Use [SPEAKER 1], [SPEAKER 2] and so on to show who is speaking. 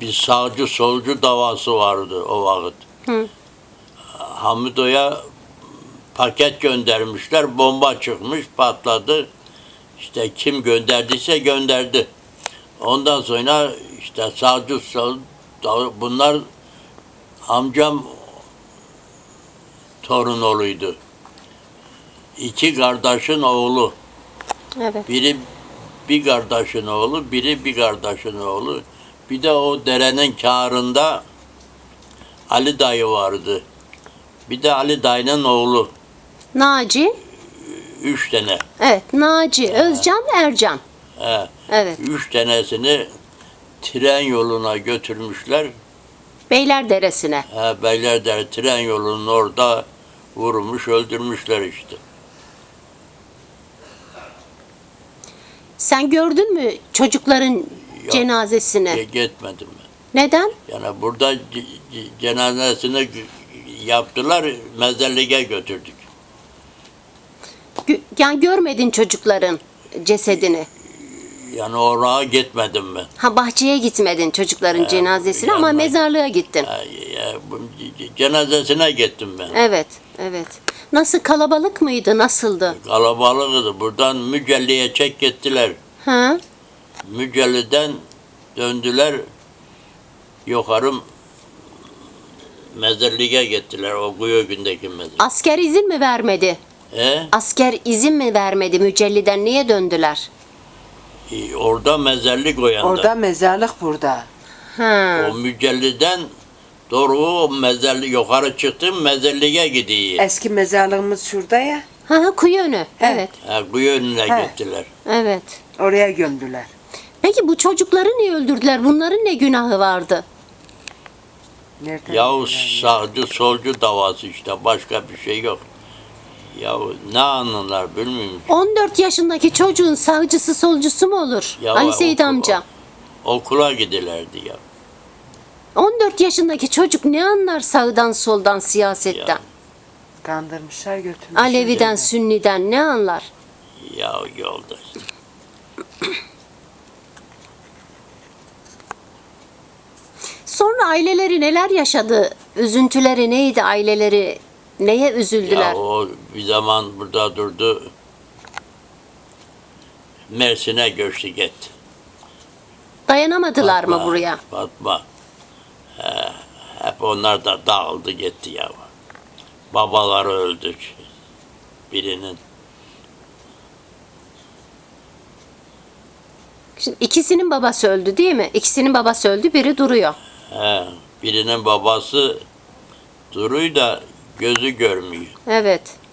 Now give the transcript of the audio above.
[SPEAKER 1] bir sağcı solcu davası vardı o vakit.
[SPEAKER 2] Hı.
[SPEAKER 1] Hamido'ya paket göndermişler, bomba çıkmış, patladı. İşte kim gönderdiyse gönderdi. Ondan sonra işte sağcı sol, bunlar amcam torunoluydu. İki kardeşin oğlu.
[SPEAKER 2] Evet.
[SPEAKER 1] Biri bir kardeşin oğlu, biri bir kardeşin oğlu. Bir de o derenin kârında Ali dayı vardı. Bir de Ali dayının oğlu.
[SPEAKER 2] Naci.
[SPEAKER 1] 3 tane.
[SPEAKER 2] Evet. Naci, Özcan, Ercan.
[SPEAKER 1] He.
[SPEAKER 2] Evet.
[SPEAKER 1] 3 tanesini tren yoluna götürmüşler.
[SPEAKER 2] Beylerderesi'ne.
[SPEAKER 1] Beylerder tren yolunun orada vurmuş, öldürmüşler işte.
[SPEAKER 2] Sen gördün mü çocukların cenazesini?
[SPEAKER 1] Gitmedim ben.
[SPEAKER 2] Neden?
[SPEAKER 1] Yani burada cenazesini yaptılar, mezarlığa götürdük.
[SPEAKER 2] Yani görmedin çocukların cesedini.
[SPEAKER 1] Yani oraya gitmedim ben.
[SPEAKER 2] Ha, bahçeye gitmedin çocukların cenazesine ama
[SPEAKER 1] yanına-
[SPEAKER 2] mezarlığa gittin.
[SPEAKER 1] Cenazesine gittim ben.
[SPEAKER 2] Evet, evet. Nasıl, kalabalık mıydı? Nasıldı?
[SPEAKER 1] Kalabalıktı. Buradan Mücelli'ye çek gittiler.
[SPEAKER 2] Ha?
[SPEAKER 1] Mücelli'den döndüler. Yukarı mezarlığa gittiler. O kuyu gündeki mezar.
[SPEAKER 2] Asker izin mi vermedi? Asker izin mi vermedi Mücelli'den? Niye döndüler?
[SPEAKER 1] Orada mezarlık o yanda.
[SPEAKER 3] Orada mezarlık burada.
[SPEAKER 2] Ha.
[SPEAKER 1] O Mücelli'den doğru o mezarlık yukarı çıktım, mezarlığa gidiyor.
[SPEAKER 3] Eski mezarlığımız şurada ya.
[SPEAKER 2] Ha, kuyu önü.
[SPEAKER 3] He.
[SPEAKER 2] Evet.
[SPEAKER 1] Kuyu önüne
[SPEAKER 3] He.
[SPEAKER 1] gittiler.
[SPEAKER 2] Evet.
[SPEAKER 3] Oraya gömdüler.
[SPEAKER 2] Peki bu çocukları niye öldürdüler? Bunların ne günahı vardı?
[SPEAKER 3] Nereden
[SPEAKER 1] Yahu
[SPEAKER 3] gömdüler?
[SPEAKER 1] sağcı solcu davası işte, başka bir şey yok. Yahu ne anılar bilmiyorum.
[SPEAKER 2] 14 yaşındaki çocuğun sağcısı solcusu mu olur?
[SPEAKER 1] Ya
[SPEAKER 2] Ali Seyit
[SPEAKER 1] okul-
[SPEAKER 2] amca.
[SPEAKER 1] Okula gidilerdi ya.
[SPEAKER 2] 14 yaşındaki çocuk ne anlar sağdan soldan, siyasetten?
[SPEAKER 1] Ya.
[SPEAKER 3] Kandırmışlar götürmüşler.
[SPEAKER 2] Alevi'den, Sünni'den ne anlar?
[SPEAKER 1] Ya yolda işte.
[SPEAKER 2] Sonra aileleri neler yaşadı? Üzüntüleri neydi aileleri? Neye üzüldüler?
[SPEAKER 1] Ya o bir zaman burada durdu. Mersin'e göçtü gitti.
[SPEAKER 2] Dayanamadılar mı
[SPEAKER 1] Fatma,
[SPEAKER 2] buraya?
[SPEAKER 1] Fatma. Hep onlar da dağıldı gitti ya. Babaları öldü. Birinin.
[SPEAKER 2] Şimdi ikisinin babası öldü değil mi? İkisinin babası öldü, biri duruyor.
[SPEAKER 1] Birinin babası duruyor da gözü görmüyor.
[SPEAKER 2] Evet.